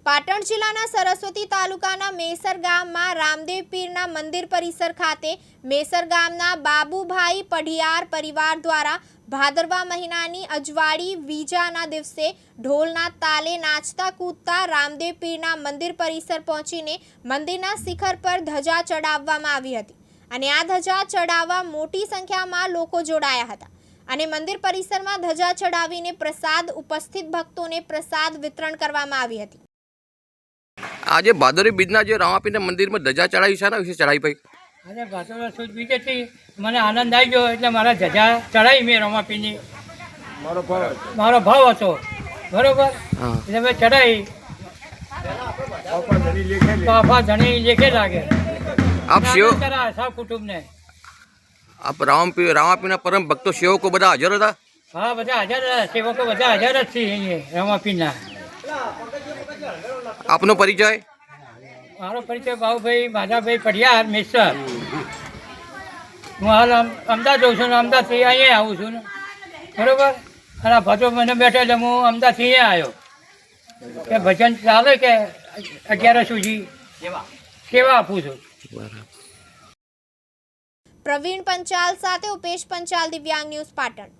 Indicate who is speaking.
Speaker 1: પાટણ જિલ્લાના સરસ્વતી તાલુકાના મેસર ગામમાં રામદેવ પીરના મંદિર પરિસર ખાતે મેસર ગામના બાબુભાઈ પઢિયાર પરિવાર દ્વારા ભાદરવા મહિનાની અજવાળી બીજાના દિવસે ઢોલના તાલે નાચતા કૂદતા રામદેવ પીરના મંદિર પરિસર પહોંચીને મંદિરના શિખર પર ધજા ચડાવવામાં આવી હતી અને આ ધજા ચડાવવા મોટી સંખ્યામાં લોકો જોડાયા હતા અને મંદિર પરિસરમાં ધજા ચડાવીને પ્રસાદ ઉપસ્થિત ભક્તોને પ્રસાદ વિતરણ કરવામાં આવી હતી।
Speaker 2: આજે ભાદરવી બીજના જે રામાપીરના મંદિરમાં ધજા ચડાવી છે ને વિશે ચડાવી ભાઈ?
Speaker 3: આજે ભાદરવા સુદ બીજેથી મને આનંદ આવી ગયો એટલે મારા ધજા ચડાવી મેં રામાપીની। મારો ભાવ હતો બરોબર એટલે મેં ચડાવી બાપા ધણી લેખે લાગે
Speaker 2: આપ સેવ
Speaker 3: સૌ કુટુંબને
Speaker 2: આપ રામાપીરના પરમ ભક્તો સેવકો બધા હાજર હતા?
Speaker 3: હા બધા હાજર હતા, સેવકો બધા હાજર જ છે અહીંયા રામાપીના।
Speaker 2: આપનો પરિચય?
Speaker 3: મારો પરિચય બાબુભાઈ માધાભાઈ પઢિયાર મેસર। હું હાલ અમદાવાદ જઉં છું ને અમદાવાદથી અહીંયા આવું છું ને બરાબર। અને આ ભજો મને બેઠા એટલે હું અમદાવાદથી અહીંયા આવ્યો કે ભજન ચાલે કે 11 સુધી સેવા આપું છું।
Speaker 1: પ્રવીણ પંચાલ સાથે ઉપેશ પંચાલ, દિવ્યાંગ ન્યૂઝ પાટણ।